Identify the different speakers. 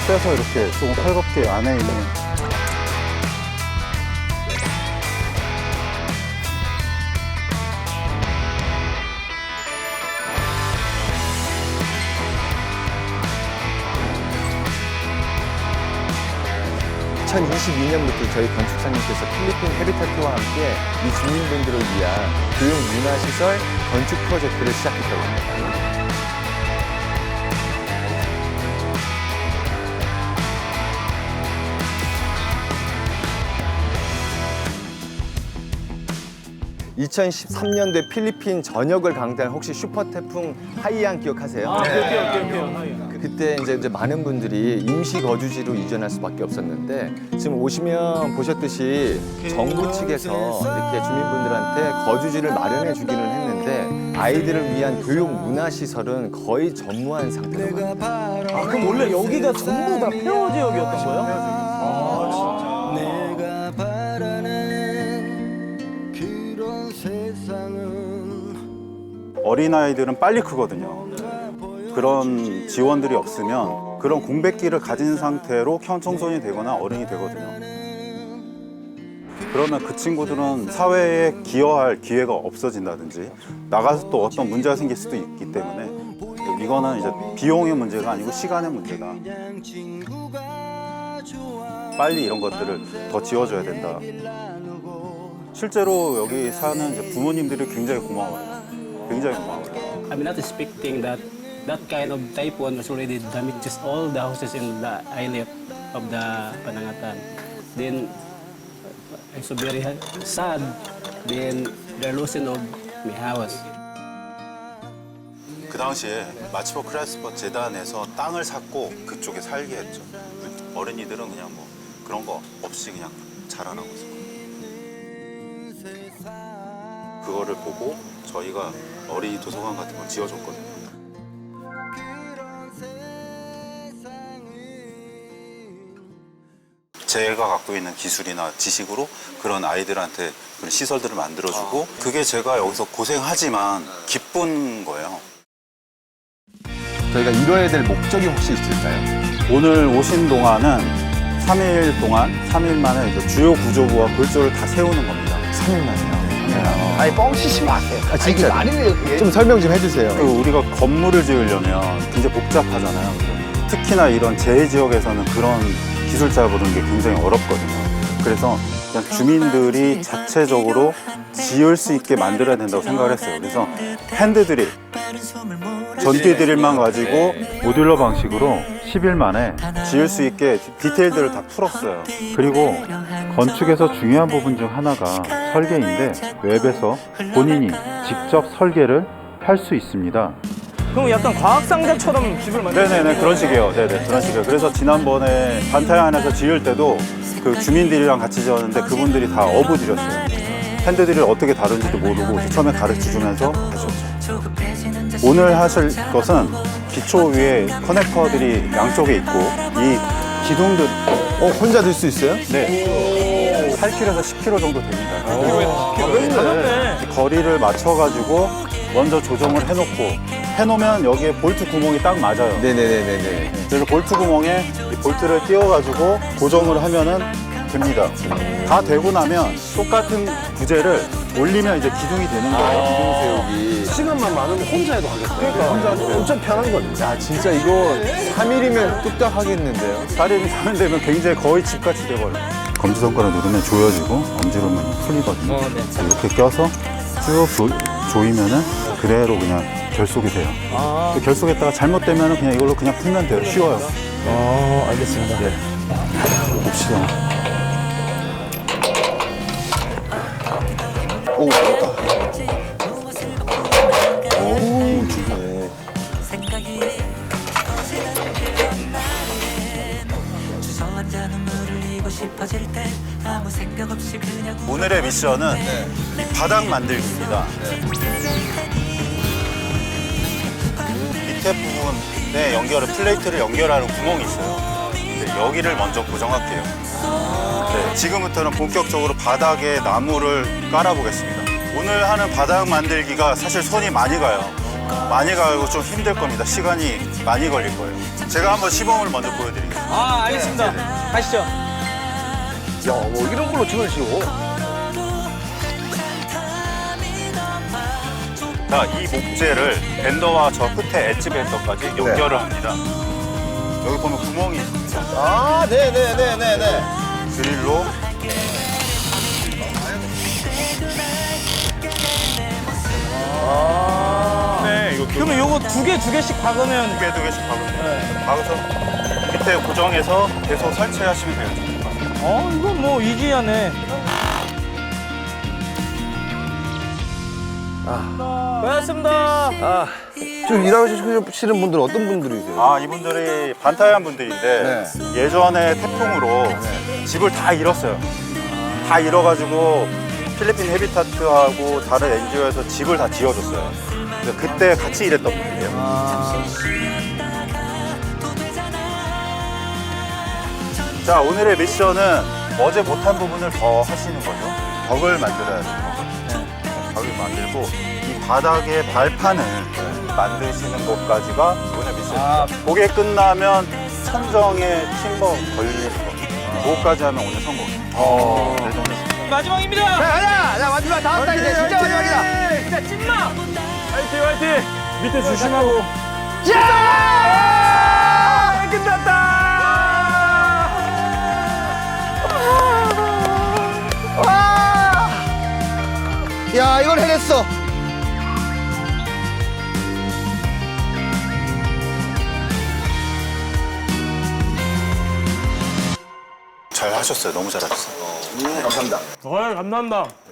Speaker 1: 빼서 이렇게 조금 헐겁게 안에 있는
Speaker 2: 2022년부터 저희 건축사님께서 필리핀 헤비타트와 함께 이 주민분들을 위한 교육 문화시설 건축 프로젝트를 시작했다고 합니다. 2013년도에 필리핀 전역을 강타한 혹시 슈퍼 태풍 하이안 기억하세요?
Speaker 3: 기억해요.
Speaker 2: 그때 이제 많은 분들이 임시 거주지로 이전할 수밖에 없었는데 지금 오시면 보셨듯이 정부 측에서 이렇게 주민분들한테 거주지를 마련해 주기는 했는데 아이들을 위한 교육 문화 시설은 거의 전무한 상태라고 합니다.
Speaker 3: 아, 그럼 원래 여기가 전부 다 폐허 지역이었던 거예요?
Speaker 1: 어린아이들은 빨리 크거든요. 그런 지원들이 없으면 그런 공백기를 가진 상태로 청소년이 되거나 어른이 되거든요. 그러면 그 친구들은 사회에 기여할 기회가 없어진다든지 나가서 또 어떤 문제가 생길 수도 있기 때문에 이거는 이제 비용의 문제가 아니고 시간의 문제다. 빨리 이런 것들을 더 지어줘야 된다. 실제로 여기 사는 이제 부모님들이 굉장히 고마워요. 굉장히 고마워요.
Speaker 4: I'm not expecting that kind of typhoon was already damages all the houses in the islet of the Panangatan. Then I'm so very sad. Then the losing of my house.
Speaker 1: 그 당시에 마치포 크라이스퍼 재단에서 땅을 샀고 그쪽에 살게 했죠. 어린이들은 그냥 뭐 그런 거 없이 그냥 자라나고 있었거든요. 그거를 보고 저희가 어린이 도서관 같은 걸 지어줬거든요. 제가 갖고 있는 기술이나 지식으로 그런 아이들한테 그런 시설들을 만들어주고 그게 제가 여기서 고생하지만 기쁜 거예요.
Speaker 2: 저희가 이뤄야 될 목적이 혹시 있을까요?
Speaker 1: 오늘 오신 동안은 3일 동안, 3일 만에 이제 주요 구조부와 골조를 다 세우는 겁니다.
Speaker 2: 3일 만에요.
Speaker 5: 아니 뻥치지 마세요.
Speaker 2: 진짜
Speaker 5: 말이에요 그게.
Speaker 2: 좀 설명 좀 해주세요.
Speaker 1: 우리가 건물을 지으려면 굉장히 복잡하잖아요. 특히나 이런 재해지역에서는 그런 기술 잡으는 게 굉장히 어렵거든요. 그래서 그냥 주민들이 자체적으로 지을 수 있게 만들어야 된다고 생각을 했어요. 그래서 핸드드릴, 전기드릴만 가지고 모듈러 방식으로 10일 만에 지을 수 있게 디테일들을 다 풀었어요. 그리고 건축에서 중요한 부분 중 하나가 설계인데 웹에서 본인이 직접 설계를 할 수 있습니다.
Speaker 3: 그럼 약간 과학상자처럼 집을 만드는
Speaker 1: 네네네, 그런 식이에요. 네네, 그런 식이에요. 그래서 지난번에 반타이 안에서 지을 때도 그 주민들이랑 같이 지었는데 그분들이 다 어부들이었어요. 핸드드릴 어떻게 다른지도 모르고 처음에 가르쳐주면서 하셨죠. 오늘 하실 것은 기초 위에 커넥터들이 양쪽에 있고 이 기둥들
Speaker 2: 혼자 들 수 있어요?
Speaker 1: 네, 8kg에서 10kg 정도 됩니다.
Speaker 3: 가볍네.
Speaker 1: 거리를 맞춰가지고 먼저 조정을 해놓으면 여기에 볼트 구멍이 딱 맞아요.
Speaker 2: 네네네네.
Speaker 1: 그래서 볼트 구멍에 이 볼트를 띄워가지고 고정을 하면은 됩니다. 다 되고 나면 똑같은 부재를 올리면 이제 기둥이 되는 거예요.
Speaker 2: 기둥 세우기.
Speaker 5: 시간만 많으면 혼자 해도 하겠어요.
Speaker 1: 그러니까 혼자 하죠.
Speaker 5: 엄청 편한 거죠.
Speaker 2: 야, 진짜 이거 3일이면 뚝딱 하겠는데요?
Speaker 1: 다리를 사면 되면 굉장히 거의 집같이 돼버려요. 검지손가락 누르면 조여지고 엄지로 누르면 풀리거든요. 이렇게 껴서 쭉 조이면은 그대로 그냥 결속이 돼요. 그 결속했다가 잘못되면 그냥 이걸로 그냥 풀면 돼요. 쉬워요.
Speaker 2: 알겠습니다.
Speaker 1: 네. 봅시다.
Speaker 2: 오, 잘했다. 오, 좋네.
Speaker 1: 오늘의 미션은 이 바닥 만들기입니다. 밑에 부분에 플레이트를 연결하는 구멍이 있어요. 네, 여기를 먼저 고정할게요. 네, 지금부터는 본격적으로 바닥에 나무를 깔아보겠습니다. 오늘 하는 바닥 만들기가 사실 손이 많이 가요. 많이 가고 좀 힘들 겁니다. 시간이 많이 걸릴 거예요. 제가 한번 시범을 먼저 보여드릴게요.
Speaker 3: 아, 알겠습니다. 가시죠.
Speaker 5: 야, 뭐 이런 걸로 춤을 추고.
Speaker 1: 자, 이 목재를 밴더와 저 끝에 엣지 밴더까지 연결을 합니다. 여기 보면 구멍이 있습니다.
Speaker 5: 아, 네네네네네.
Speaker 1: 드릴로 네, 이거
Speaker 3: 그러면 요거 두 개씩 박으면
Speaker 1: 두 개씩 박으면 돼요. 박아서 밑에 고정해서 계속 설치하시면 돼요.
Speaker 3: 이건 뭐 이지하네. 고맙습니다.
Speaker 5: 아, 지금 일하시는 분들은 어떤 분들이세요?
Speaker 1: 아, 이분들이 반타이한 분들인데 예전에 태풍으로 집을 다 잃었어요. 다 잃어가지고 필리핀 헤비타트하고 다른 NGO에서 집을 다 지어줬어요. 그래서 그때 같이 일했던 분들이에요. 자, 오늘의 미션은 어제 못한 부분을 더 하시는 거죠. 벽을 만들어야 돼요. 벽을 만들고 이 바닥에 발판을 만드시는 것까지가 오늘 미션입니다. 그게 끝나면 천정에 팀버 걸리는 거. 그거까지 하면 오늘 성공이에요. 그래서 오늘
Speaker 3: 마지막입니다.
Speaker 5: 가자! 자, 마지막 다음 달 이제 진짜 마지막이다.
Speaker 3: 진짜 찐막. 화이팅. 밑에 조심하고.
Speaker 5: 야! 끝났다! 와! 야, 이걸 해냈어.
Speaker 1: 잘 하셨어요. 너무 잘하셨어요.
Speaker 5: 감사합니다.
Speaker 3: 감사합니다.